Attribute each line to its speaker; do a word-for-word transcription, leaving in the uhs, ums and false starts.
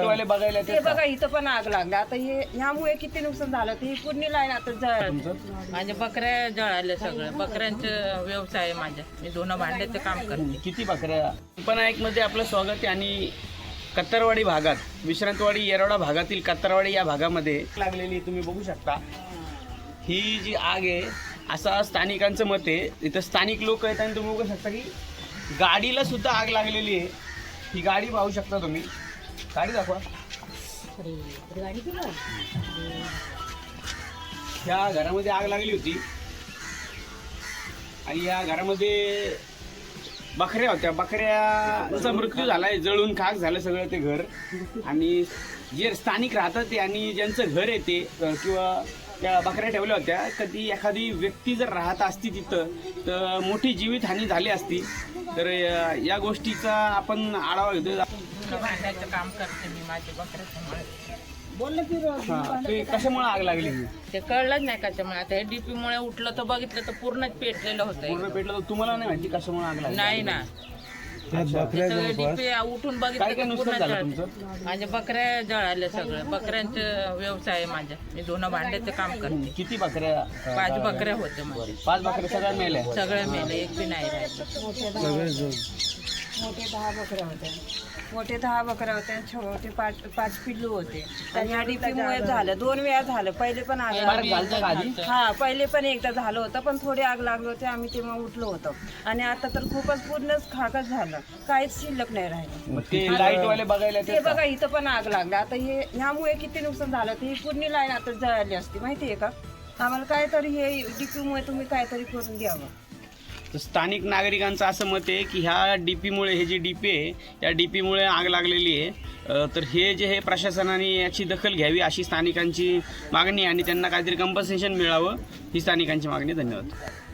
Speaker 1: वाले बघायला
Speaker 2: ते बघा इथं पण आग लागली. आता हे ह्यामुळे किती नुकसान झालं. ती पूर्ण लाईन आता जळ
Speaker 3: माझ्या बकऱ्या जळाल्या सगळं. बकऱ्यांचं व्यवसाय आहे माझ्या. मी दोन भांड्याचं काम करते.
Speaker 1: किती बकऱ्या? पण एक मध्ये आपलं स्वागत आहे. आणि कत्तरवाडी भागात, विश्रांतवाडी येरवडा भागातील कत्तरवाडी या भागामध्ये लागलेली तुम्ही बघू शकता. ही जी आग आहे असा स्थानिकांचं मत आहे. इथं स्थानिक लोक आहेत आणि तुम्ही बघू शकता की गाडीला सुद्धा आग लागलेली आहे. ही गाडी पाहू शकता तुम्ही. गाडी दाखवा. ह्या घरामध्ये आग लागली होती आणि या घरामध्ये बकऱ्या होत्या. बकऱ्याचा मृत्यू झालाय, जळून खाक झालं सगळं ते घर. आणि जे स्थानिक राहतात ते आणि ज्यांचं घर आहे ते किंवा त्या बकऱ्या ठेवल्या होत्या, कधी एखादी व्यक्ती जर राहत असती तिथं तर मोठी जीवितहानी झाली असती. तर या गोष्टीचा आपण आढावा घेतो.
Speaker 3: भांड्याचं काम करते मी माझ्या बकऱ्याचं.
Speaker 1: ते कशामुळे आग लागली?
Speaker 3: ते कळलंच नाही कशामुळे. आता हे डीपी मुळे उठलं तर बघितलं तर पूर्णच पेटलेलं
Speaker 1: पूर्ण
Speaker 3: होतं.
Speaker 1: पेटलं तर तुम्हाला नाही माहिती कशामुळे आग लागली?
Speaker 3: नाही ना, डीपी उठून
Speaker 1: काय काय
Speaker 3: बघितलं
Speaker 1: नुकसान झालं
Speaker 3: पूर्ण
Speaker 1: तुमचं?
Speaker 3: माझ्या बकऱ्या जळाल्या सगळं. बकऱ्यांचं व्यवसाय आहे माझ्या. मी दोन भांड्याचं काम करते.
Speaker 1: किती बकऱ्या?
Speaker 3: पाच बकऱ्या होत्या माझ्या.
Speaker 1: पाच बकऱ्या सगळ्या मेल्या.
Speaker 3: सगळे मेले, एक बी नाही राहिले.
Speaker 2: मोठे दहा बकऱ्या होत्या. मोठे दहा बकऱ्या होत्या. छोटे पाच पाच पिल्लू होते. आणि ह्या डीपीमुळे झालं. दोन वेळा झालं. पहिले पण आग लागली. हा पहिले पण एकदा झालं होतं, पण थोडी आग लागली होती. आम्ही तेव्हा उठलो होतो. आणि आता तर खूपच पूर्णच खाकच झालं. काहीच शिल्लक नाही राहिलं.
Speaker 1: ते लाईट वाले बघायला
Speaker 2: ते बघा इथं पण आग लागली. आता हे ह्यामुळे किती नुकसान झालं. ती पूर्ण लाईन आता जळाली असती माहितीये का. आम्हाला काहीतरी हे डीपीमुळे तुम्ही काहीतरी करून द्यावं.
Speaker 1: तर स्थानिक नागरिकांचं असं मत आहे की ह्या डीपीमुळे, हे जे डीपी आहे या डीपीमुळे आग लागलेली आहे. अ, तर हे जे हे प्रशासनाने याची दखल घ्यावी अशी स्थानिकांची मागणी आहे आणि त्यांना काहीतरी कंपन्सेशन मिळावं ही स्थानिकांची मागणी. धन्यवाद.